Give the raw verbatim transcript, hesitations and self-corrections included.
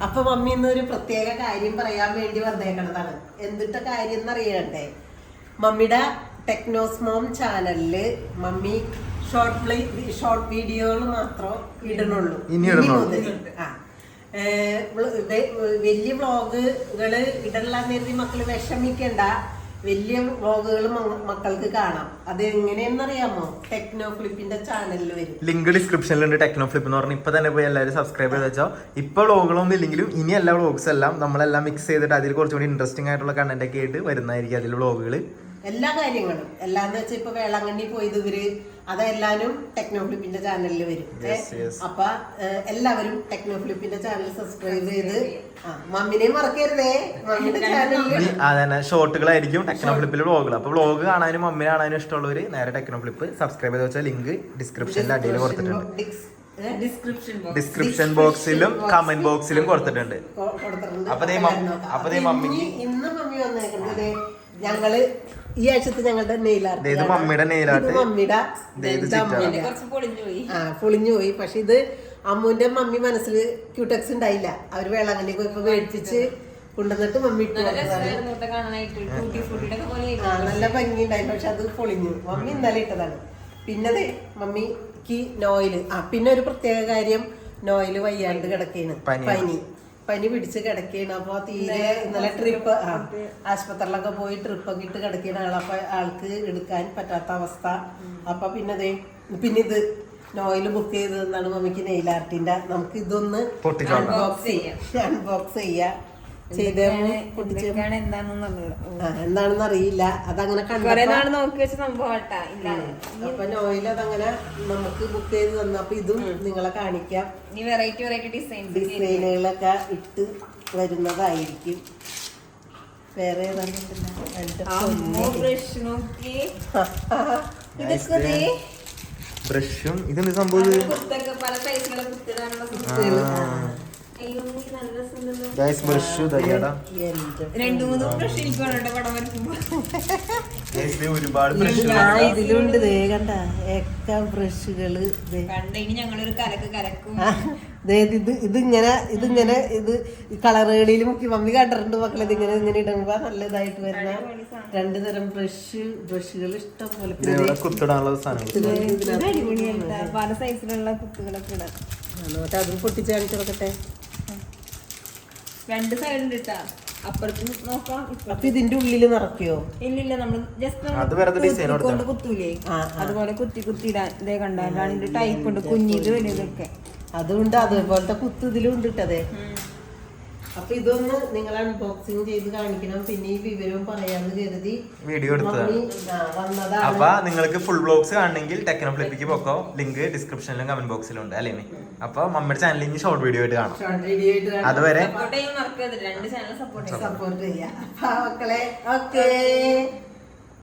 അപ്പൊ മമ്മി ഇന്നൊരു പ്രത്യേക കാര്യം പറയാൻ വേണ്ടി വന്നേക്കണതാണ്. എന്തിട്ട കാര്യം എന്നറിയണ്ടേ? മമ്മിയുടെ ടെക്നോസ്മോം ചാനലില് മമ്മി ഷോർട്ട് പ്ലേ ഷോർട്ട് വീഡിയോകൾ മാത്രം ഇടണുള്ളൂ. ഇനി മുതൽ ആ വലിയ വ്ളോഗുകള് ഇടലാന്ന് കരുതി മക്കള് വിഷമിക്കണ്ട. വലിയ വ്ളോഗുകൾ മക്കൾക്ക് കാണാം. അത് എങ്ങനെയെന്നറിയാമോ? ടെക്നോ ഫ്ലിപ്പിന്റെ ചാനലിൽ വരും. ലിങ്ക് ഡിസ്ക്രിപ്ഷനിലുണ്ട്. ടെക്നോ ഫ്ലിപ്പ് എന്ന് പറഞ്ഞാൽ ഇപ്പൊ തന്നെ പോയി എല്ലാവരും സബ്സ്ക്രൈബ് ചെയ്ത് വെച്ചോ. ഇപ്പൊ വ്ളോഗുകളൊന്നും ഇല്ലെങ്കിലും ഇനി എല്ലാ വ്ളോഗ്സ് എല്ലാം നമ്മളെല്ലാം മിക്സ് ചെയ്തിട്ട് അതിൽ കുറച്ചുകൂടി ഇൻട്രസ്റ്റിംഗ് ആയിട്ടുള്ള കണ്ടന്റ് ഒക്കെ ആയിട്ട് വരുന്നതായിരിക്കും അതിൽ വ്ളോഗുകള്. എല്ലാ കാര്യങ്ങളും എല്ലാന്ന് വെച്ചാൽ ഇപ്പൊ വേളാങ്കണ്ണി പോയത് ഇവര് അതെല്ലാരും ടെക്നോ ഫ്ലിപ്പിന്റെ ചാനലിൽ വരും. അപ്പൊ എല്ലാവരും ടെക്നോ ഫ്ലിപ്പിന്റെ ചാനൽ സബ്സ്ക്രൈബ് ചെയ്ത് മമ്മിനെ മറക്കരുതേ. മമ്മിയുടെ ചാനലിൽ അതന്നെ ഷോർട്ടുകളായിരിക്കും ടെക്നോ ഫ്ലിപ്പിൽ വ്ളോഗുകൾ. അപ്പൊ വ്ളോഗ് കാണാനും മമ്മിനെ കാണാനും ഇഷ്ടമുള്ളവര് നേരെ ടെക്നോ ഫ്ലിപ്പ് സബ്സ്ക്രൈബ് ചെയ്ത് വെച്ചാൽ ലിങ്ക് ഡിസ്ക്രിപ്ഷനിൽ അടിയിൽ കൊടുത്തിട്ടുണ്ട്. ഡിസ്ക്രിപ്ഷൻ ബോക്സിലും കമന്റ് ബോക്സിലും കൊടുത്തിട്ടുണ്ട്. അപ്പൊ മമ്മിക്ക് ഇന്ന് മമ്മി വന്നേക്കുന്നത് ഞങ്ങള് ഈ ആഴ്ചത്തെ ഞങ്ങളുടെ നെയിലാർട്ട് മമ്മിയുടെ നെയിലാർട്ട് മമ്മിയുടെ ആ പൊളിഞ്ഞു പോയി. പക്ഷെ ഇത് അമ്മുവിന്റെ മമ്മി മനസ്സിൽ ക്യൂടെക്സ് ഉണ്ടായില്ല. അവര് വേളാങ്കണ്ണി പോയപ്പോ മേടിപ്പിച്ച് കൊണ്ടുവന്നിട്ട് മമ്മി ഇട്ട് ആ നല്ല ഭംഗി ഉണ്ടായി. പക്ഷെ അത് പൊളിഞ്ഞു. മമ്മി ഇന്നലെ ഇട്ടതാണ്. പിന്നെ മമ്മിക്ക് നോയില് ആ പിന്നെ ഒരു പ്രത്യേക കാര്യം, നോയില് വയ്യാണ്ട് കിടക്കേണ്. പനി പനി പിടിച്ച് കിടക്കുകയാണ്. അപ്പൊ തീരെ ഇന്നലെ ട്രിപ്പ് ആ ആശുപത്രിയിലൊക്കെ പോയി ട്രിപ്പൊക്കെ ഇട്ട് കിടക്കുകയാണ് ആൾ. അപ്പൊ ആൾക്ക് എടുക്കാൻ പറ്റാത്ത അവസ്ഥ. അപ്പൊ പിന്നെ അതെ പിന്നെ ഇത് നോയില് ബുക്ക് ചെയ്തതെന്നാണ് മമ്മിക്ക് നെയിൽ ആർട്ടിന്റെ. നമുക്ക് ഇതൊന്ന് അൺബോക്സ് ചെയ്യാം അൺബോക്സ് ചെയ്യാം ചെയ്ത് എന്താണെന്ന് അറിയില്ല. അതങ്ങനെ അപ്പൊ നോയിൽ അതങ്ങനെ നമുക്ക് ബുക്ക് ചെയ്ത് തന്നു. അപ്പൊ ഇതും നിങ്ങളെ കാണിക്കാം. വെറൈറ്റി വെറൈറ്റി ഡിസൈൻ ഡിസൈനുകളൊക്കെ ഇട്ട് വരുന്നതായിരിക്കും. വേറെ ബ്രഷും ഇതെന്ത് സംഭവം? പല സൈസിലുള്ള രണ്ടു മൂന്ന് ബ്രഷ് എനിക്ക് പടം വരയ്ക്കുമ്പോ ഒരുപാട് ഇതിലുണ്ട്. കണ്ട ഏക്ക ബ്രഷുകള് ഇനി ഞങ്ങളൊരു കലക്ക് കലക്കും. ഇത് ഇതിങ്ങനെ ഇതിങ്ങനെ ഇത് കളറുകളിൽ മുക്കി മമ്മി കണ്ടിട്ടുണ്ട് മക്കളെ. ഇതിങ്ങനെ ഇങ്ങനെ ഇടുമ്പോ നല്ല ഇതായിട്ട് വരുന്ന രണ്ടു തരം ബ്രഷ് ബ്രഷുകൾ ഇഷ്ടം പോലെ. പല സൈസിലുള്ള കുത്തുകളൊക്കെ ഇടാം. എന്നിട്ട് അതും പൊട്ടിച്ച് കാണിച്ചു കൊടുക്കട്ടെ. രണ്ട് സൈഡ് ഉണ്ട് കേട്ടാ. അപ്പുറത്ത് നോക്കാം. അപ്പൊ ഇതിന്റെ ഉള്ളില് നിറയ്ക്കോ? ഇല്ലില്ല, നമ്മള് ജസ്റ്റ് കൊണ്ട് കുത്തൂലേ അതുപോലെ കുത്തി കുത്തി ഇടാൻ. ഇതേ കണ്ട രണ്ട് ടൈപ്പ് ഉണ്ട്, കുഞ്ഞിത് വലുതൊക്കെ. അതുകൊണ്ട് അതുപോലത്തെ കുത്ത് ഇതിലും ഉണ്ട് ഇട്ടതേ. അപ്പൊ ഇതൊന്ന് നിങ്ങൾ അൺബോക്സിങ് ചെയ്ത് കാണിക്കണം. പിന്നെ ഈ വിവരവും പറയാന്ന് കരുതി വീഡിയോ എടുത്തതാണ്. അപ്പൊ നിങ്ങൾക്ക് ഫുൾ വ്ലോഗ്സ് കാണണമെങ്കിൽ ടെക്നോ ഫ്ലിപ്പിക്ക് പോക്കോ. ലിങ്ക് ഡിസ്ക്രിപ്ഷനിലും കമന്റ് ബോക്സിലും ഉണ്ട് അല്ലേ? അപ്പൊ മമ്മിയുടെ ചാനലിൽ ഇനി ഷോർട്ട് വീഡിയോ ആയിട്ട് കാണാം. അതുവരെ സപ്പോർട്ട് ചെയ്യാൻ സപ്പോർട്ട് ചെയ്യാം മക്കളെ. ഓക്കേ.